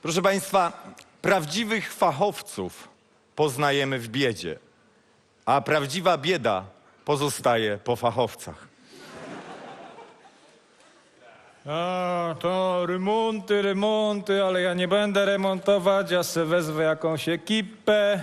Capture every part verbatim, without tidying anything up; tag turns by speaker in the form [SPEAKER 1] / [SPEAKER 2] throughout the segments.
[SPEAKER 1] Proszę państwa, prawdziwych fachowców poznajemy w biedzie, a prawdziwa bieda pozostaje po fachowcach.
[SPEAKER 2] A, to remonty, remonty, ale ja nie będę remontować, ja se wezwę jakąś ekipę.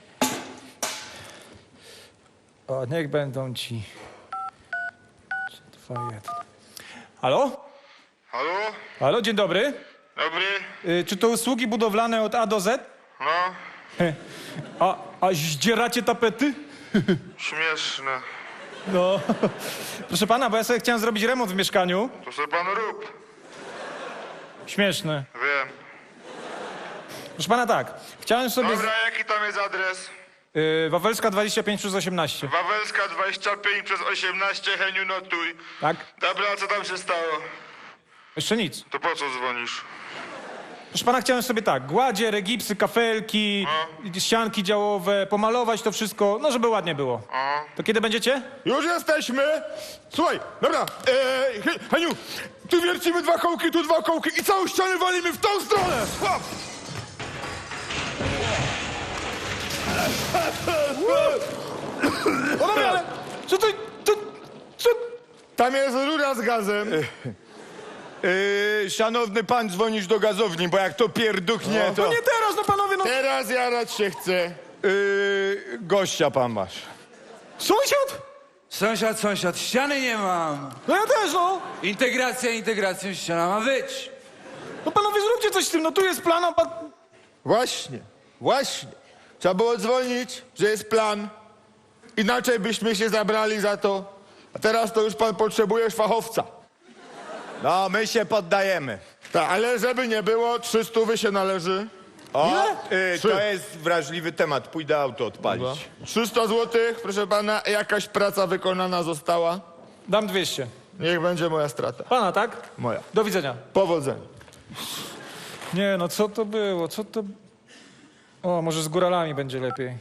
[SPEAKER 2] O, niech będą ci. Trzy, dwa, jeden. Halo?
[SPEAKER 3] Halo?
[SPEAKER 2] Halo, dzień dobry.
[SPEAKER 3] Dobry?
[SPEAKER 2] Y, czy to usługi budowlane od A do Z?
[SPEAKER 3] No,
[SPEAKER 2] A, a zdzieracie tapety?
[SPEAKER 3] śmieszne.
[SPEAKER 2] No. Proszę pana, bo ja sobie chciałem zrobić remont w mieszkaniu.
[SPEAKER 3] To sobie pan rób.
[SPEAKER 2] Śmieszne.
[SPEAKER 3] Wiem.
[SPEAKER 2] Proszę pana, tak. Chciałem sobie...
[SPEAKER 3] Dobra, jaki tam jest adres?
[SPEAKER 2] Y, Wawelska dwadzieścia pięć przez osiemnaście.
[SPEAKER 3] Wawelska dwadzieścia pięć przez osiemnaście, Heniu, notuj.
[SPEAKER 2] Tak?
[SPEAKER 3] Dobra, a co tam się stało?
[SPEAKER 2] Jeszcze nic.
[SPEAKER 3] To po co dzwonisz?
[SPEAKER 2] Proszę pana, chciałem sobie tak, gładzie, regipsy, kafelki, ścianki działowe, pomalować to wszystko, no żeby ładnie było.
[SPEAKER 3] O.
[SPEAKER 2] To kiedy będziecie?
[SPEAKER 4] Już jesteśmy! Słuchaj, dobra, eee, He- Heniu, tu wiercimy dwa kołki, tu dwa kołki i całą ścianę walimy w tą stronę! Hop!
[SPEAKER 2] O dobra, ale co to, to, co?
[SPEAKER 4] Tam jest rura z gazem.
[SPEAKER 1] Yy, szanowny pan, dzwonisz do gazowni, bo jak to pierduchnie,
[SPEAKER 2] No
[SPEAKER 1] to...
[SPEAKER 2] nie teraz, no panowie, no.
[SPEAKER 4] Teraz jarać się chce.
[SPEAKER 1] Yy, gościa pan masz.
[SPEAKER 2] Sąsiad?
[SPEAKER 5] Sąsiad, sąsiad, ściany nie mam.
[SPEAKER 2] No ja też, no.
[SPEAKER 5] Integracja, integracją, ściana ma być.
[SPEAKER 2] No panowie, zróbcie coś z tym, no tu jest plan, a pan...
[SPEAKER 4] Właśnie, właśnie. Trzeba było dzwonić, że jest plan. Inaczej byśmy się zabrali za to. A teraz to już pan potrzebujesz fachowca.
[SPEAKER 1] No, my się poddajemy.
[SPEAKER 4] Tak, ale żeby nie było, trzy stówy się należy.
[SPEAKER 1] O,
[SPEAKER 4] Ile?
[SPEAKER 1] yy,
[SPEAKER 4] Trzy.
[SPEAKER 1] to jest wrażliwy temat, pójdę auto odpalić.
[SPEAKER 4] trzysta złotych, proszę pana, jakaś praca wykonana została.
[SPEAKER 2] Dam dwieście.
[SPEAKER 4] Niech będzie moja strata.
[SPEAKER 2] Pana, tak?
[SPEAKER 4] Moja.
[SPEAKER 2] Do widzenia.
[SPEAKER 4] Powodzenia.
[SPEAKER 2] Nie, no co to było, co to... O, może z góralami będzie lepiej.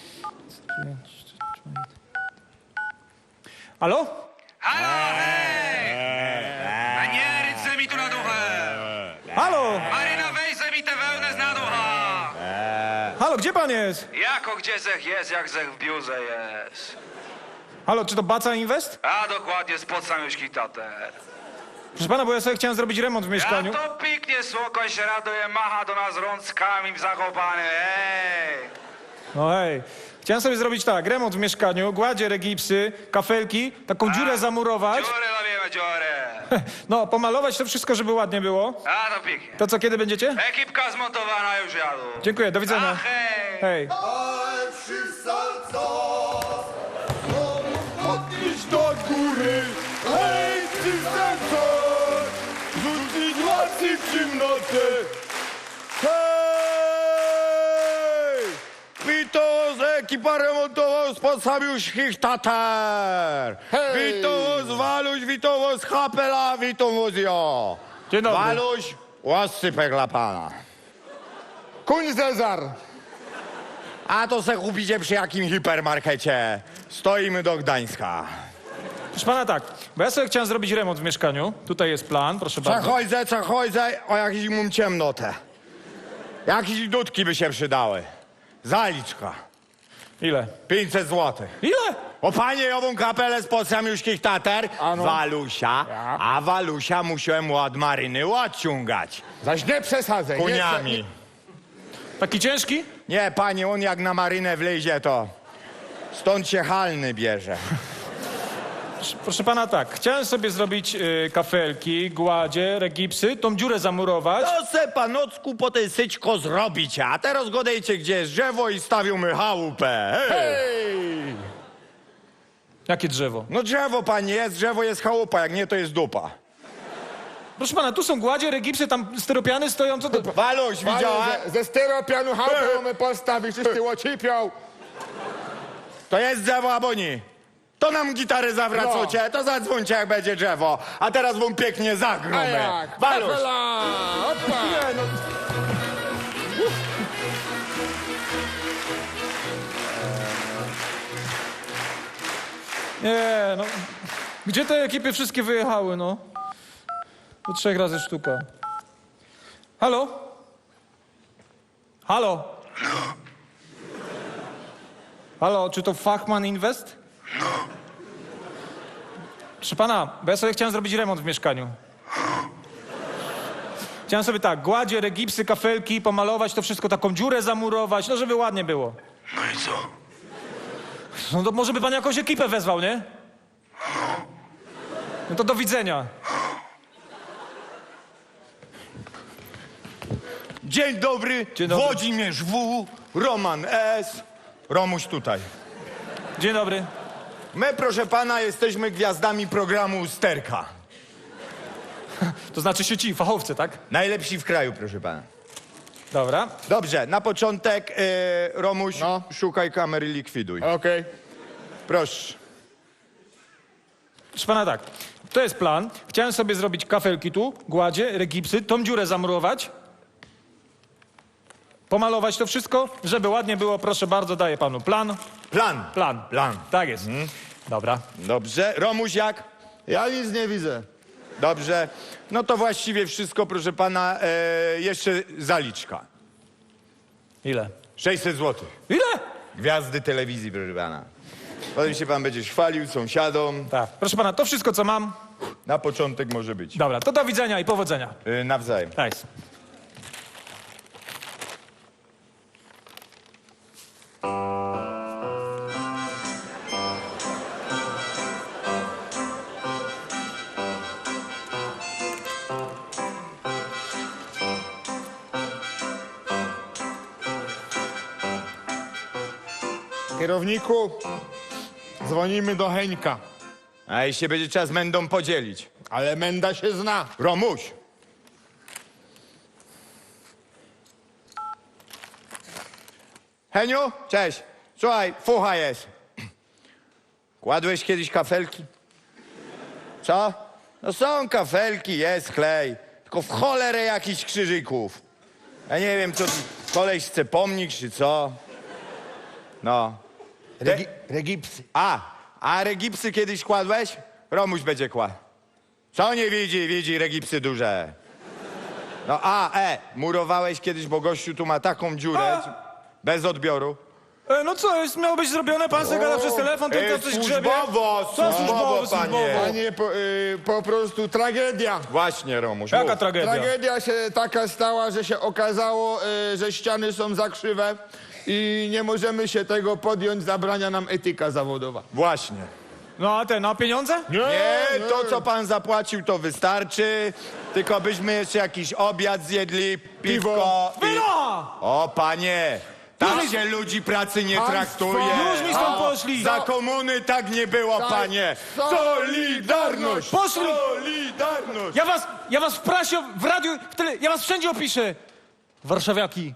[SPEAKER 2] Halo?
[SPEAKER 6] Halo, hej! A nie rycę mi tu na duchę!
[SPEAKER 2] Halo?
[SPEAKER 6] Maryna, weź se mi tę wełnę z na ducha!
[SPEAKER 2] Halo, gdzie pan jest?
[SPEAKER 6] Jako gdzie zech jest, jak zech w biurze jest.
[SPEAKER 2] Halo, czy to Baca Invest?
[SPEAKER 6] A dokładnie, spod samiuszki tater.
[SPEAKER 2] Proszę pana, bo ja sobie chciałem zrobić remont w
[SPEAKER 6] Ja
[SPEAKER 2] mieszkaniu.
[SPEAKER 6] to piknie, słoko się raduje, macha do nas rączkami w Zakopane, hej!
[SPEAKER 2] No hej, chciałem sobie zrobić tak, remont w mieszkaniu, gładzie, regipsy, kafelki, taką dziurę zamurować,
[SPEAKER 6] Dziurę robimy, dziurę!
[SPEAKER 2] no pomalować to wszystko, żeby ładnie było.
[SPEAKER 6] A to piknie.
[SPEAKER 2] To co, kiedy będziecie?
[SPEAKER 6] Ekipka zmontowana, już jadą.
[SPEAKER 2] Dziękuję, do
[SPEAKER 6] A
[SPEAKER 2] widzenia.
[SPEAKER 6] hej!
[SPEAKER 2] Hej.
[SPEAKER 4] Podnieś do góry, hej, ty serce! Rzucić łasy w ciemnotę!
[SPEAKER 1] Hej! Wito z ekipa remontowa spod Samiuszkich Tatar!
[SPEAKER 4] Hej!
[SPEAKER 1] Wito z Waluś, wito z Hapela, wito z jo!
[SPEAKER 2] Dzień dobry.
[SPEAKER 1] Waluś, łasypek dla pana.
[SPEAKER 4] Kuń Cezar!
[SPEAKER 1] A to se kupicie przy jakim hipermarkecie. Stoimy do Gdańska.
[SPEAKER 2] Proszę pana tak, bo ja sobie chciałem zrobić remont w mieszkaniu. Tutaj jest plan, proszę bardzo.
[SPEAKER 1] Przechodzę, przechodzę, o jakiś mum ciemnotę. Jakieś dudki by się przydały. Zaliczka.
[SPEAKER 2] Ile?
[SPEAKER 1] pięćset złotych.
[SPEAKER 2] Ile?
[SPEAKER 1] O panie, ową kapelę spod Samiuszkich Tatar, Walusia, a Walusia musiałem od Maryny odciągać.
[SPEAKER 4] Zaś nie przesadzaj. nie
[SPEAKER 1] Koniami.
[SPEAKER 2] Taki ciężki?
[SPEAKER 1] Nie, panie, on jak na Marynę wlezie, to stąd się halny bierze.
[SPEAKER 2] Proszę pana tak, chciałem sobie zrobić y, kafelki, gładzie, regipsy, tą dziurę zamurować.
[SPEAKER 1] To se panocku po tej syćko zrobić, a teraz godejcie, gdzie jest drzewo i stawiamy chałupę. Hej.
[SPEAKER 4] Hej!
[SPEAKER 2] Jakie drzewo?
[SPEAKER 1] No drzewo, panie, jest drzewo, jest chałupa, jak nie, to jest dupa.
[SPEAKER 2] Proszę pana, tu są gładzie, regipsy, tam styropiany stoją, co to...
[SPEAKER 1] Waluś, widziała?
[SPEAKER 4] Ale ze, ze styropianu chałupę mamy postawić, wszyscy łocipią.
[SPEAKER 1] To jest drzewo, albo nie. To nam gitary zawracacie, to zadzwońcie, jak będzie drzewo. A teraz wam pięknie
[SPEAKER 4] A
[SPEAKER 1] zagromy.
[SPEAKER 4] jak?
[SPEAKER 1] Waluś.
[SPEAKER 4] Kapela! Opa!
[SPEAKER 2] Nie, no... Nie, no... Gdzie te ekipy wszystkie wyjechały, no? Po trzech razy sztuka. Halo? Halo? Halo, czy to Fachman Invest? No. Proszę pana, bo ja sobie chciałem zrobić remont w mieszkaniu. Chciałem sobie tak, gładzie, regipsy, kafelki, pomalować to wszystko, taką dziurę zamurować, no żeby ładnie było.
[SPEAKER 3] No i co?
[SPEAKER 2] No to może by pan jakąś ekipę wezwał, nie? No to do widzenia.
[SPEAKER 1] Dzień dobry,
[SPEAKER 2] Dzień dobry.
[SPEAKER 1] Włodzimierz W, Roman S, Romuś tutaj.
[SPEAKER 2] Dzień dobry.
[SPEAKER 1] My, proszę pana, jesteśmy gwiazdami programu Sterka.
[SPEAKER 2] To znaczy się ci, fachowcy, tak?
[SPEAKER 1] Najlepsi w kraju, proszę pana.
[SPEAKER 2] Dobra.
[SPEAKER 1] Dobrze, na początek, yy, Romuś,
[SPEAKER 4] No.
[SPEAKER 1] szukaj kamery, likwiduj.
[SPEAKER 4] Okej.
[SPEAKER 1] Proszę.
[SPEAKER 2] Proszę pana tak, to jest plan. Chciałem sobie zrobić kafelki tu, gładzie, regipsy, tą dziurę zamurować. Pomalować to wszystko, żeby ładnie było, proszę bardzo, daję panu plan.
[SPEAKER 1] Plan.
[SPEAKER 2] Plan.
[SPEAKER 1] Plan.
[SPEAKER 2] Tak jest. Dobra.
[SPEAKER 1] Dobrze. Romuś jak?
[SPEAKER 4] Ja nic nie widzę.
[SPEAKER 1] Dobrze. No to właściwie wszystko, proszę pana. E, jeszcze zaliczka.
[SPEAKER 2] Ile?
[SPEAKER 1] sześćset złotych.
[SPEAKER 2] Ile?
[SPEAKER 1] Gwiazdy telewizji, proszę pana. Potem się pan będzie chwalił sąsiadom.
[SPEAKER 2] Tak. Proszę pana, to wszystko, co mam.
[SPEAKER 1] Na początek może być.
[SPEAKER 2] Dobra, to do widzenia i powodzenia.
[SPEAKER 1] E, nawzajem.
[SPEAKER 2] Nice.
[SPEAKER 4] Kierowniku, dzwonimy do Heńka.
[SPEAKER 1] A jeśli będzie trzeba z Mendą podzielić.
[SPEAKER 4] Ale Menda się zna.
[SPEAKER 1] Romuś. Heniu, cześć. Słuchaj, fucha jest. Kładłeś kiedyś kafelki? Co? No są kafelki, jest klej. Tylko w cholerę jakichś krzyżyków. Ja nie wiem, co tu koleś chce pomnik, czy co. No.
[SPEAKER 4] Regi regipsy.
[SPEAKER 1] A, a regipsy kiedyś kładłeś? Romuś będzie kładł. Co nie widzi? Widzi regipsy duże. No a, e, murowałeś kiedyś, bo gościu tu ma taką dziurę, bez odbioru.
[SPEAKER 2] E, no co, jest, miało być zrobione, pan sobie gada przez telefon, ten
[SPEAKER 1] E,
[SPEAKER 2] to coś grzebie.
[SPEAKER 1] służbowo,
[SPEAKER 2] Co
[SPEAKER 1] służbowo,
[SPEAKER 2] służbowo,
[SPEAKER 1] panie.
[SPEAKER 2] służbowo?
[SPEAKER 4] Panie, po, y, po prostu tragedia.
[SPEAKER 1] Właśnie, Romuś,
[SPEAKER 2] Jaka
[SPEAKER 1] mów.
[SPEAKER 2] tragedia?
[SPEAKER 4] Tragedia się taka stała, że się okazało, y, że ściany są za krzywe i nie możemy się tego podjąć, zabrania nam etyka zawodowa.
[SPEAKER 1] Właśnie.
[SPEAKER 2] No a ten, a pieniądze?
[SPEAKER 1] Nie, to co pan zapłacił, to wystarczy. Tylko byśmy jeszcze jakiś obiad zjedli, piwko. i-
[SPEAKER 2] Wino!
[SPEAKER 1] O, panie, tak
[SPEAKER 2] Już mi-
[SPEAKER 1] się ludzi pracy nie
[SPEAKER 4] Państwo-
[SPEAKER 1] traktuje.
[SPEAKER 2] Już mi stąd poszli!
[SPEAKER 1] Za komuny tak nie było, panie. Solidarność!
[SPEAKER 2] Poszli!
[SPEAKER 1] Solidarność!
[SPEAKER 2] Ja was, ja was w prasie, w radiu, w tele, ja was wszędzie opiszę. Warszawiaki.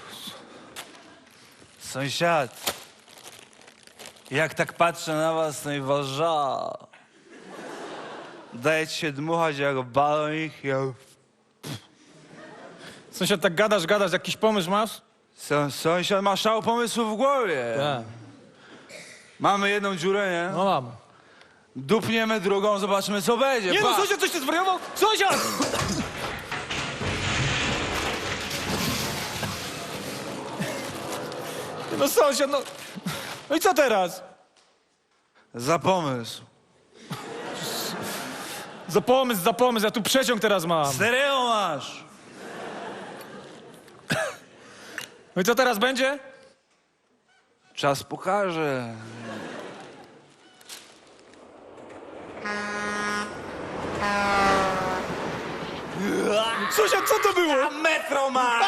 [SPEAKER 5] Sąsiad, jak tak patrzę na was, no i warza. Daje ci się dmuchać jak balonik. Jak...
[SPEAKER 2] Sąsiad, tak gadasz, gadasz, jakiś pomysł masz?
[SPEAKER 5] Są, sąsiad ma szał pomysłów w głowie.
[SPEAKER 2] Tak.
[SPEAKER 5] Mamy jedną dziurę, nie?
[SPEAKER 2] No mam.
[SPEAKER 5] Dupniemy drugą, zobaczymy co będzie.
[SPEAKER 2] Nie no,
[SPEAKER 5] Patrz.
[SPEAKER 2] sąsiad, coś ty zwariował? Sąsiad! No sąsiad, no... No i co teraz?
[SPEAKER 5] Za pomysł.
[SPEAKER 2] Za pomysł, za pomysł, ja tu przeciąg teraz mam.
[SPEAKER 5] Stereo masz.
[SPEAKER 2] No i co teraz będzie?
[SPEAKER 5] Czas pokaże.
[SPEAKER 2] Sąsiad, co to było?
[SPEAKER 5] Metro masz!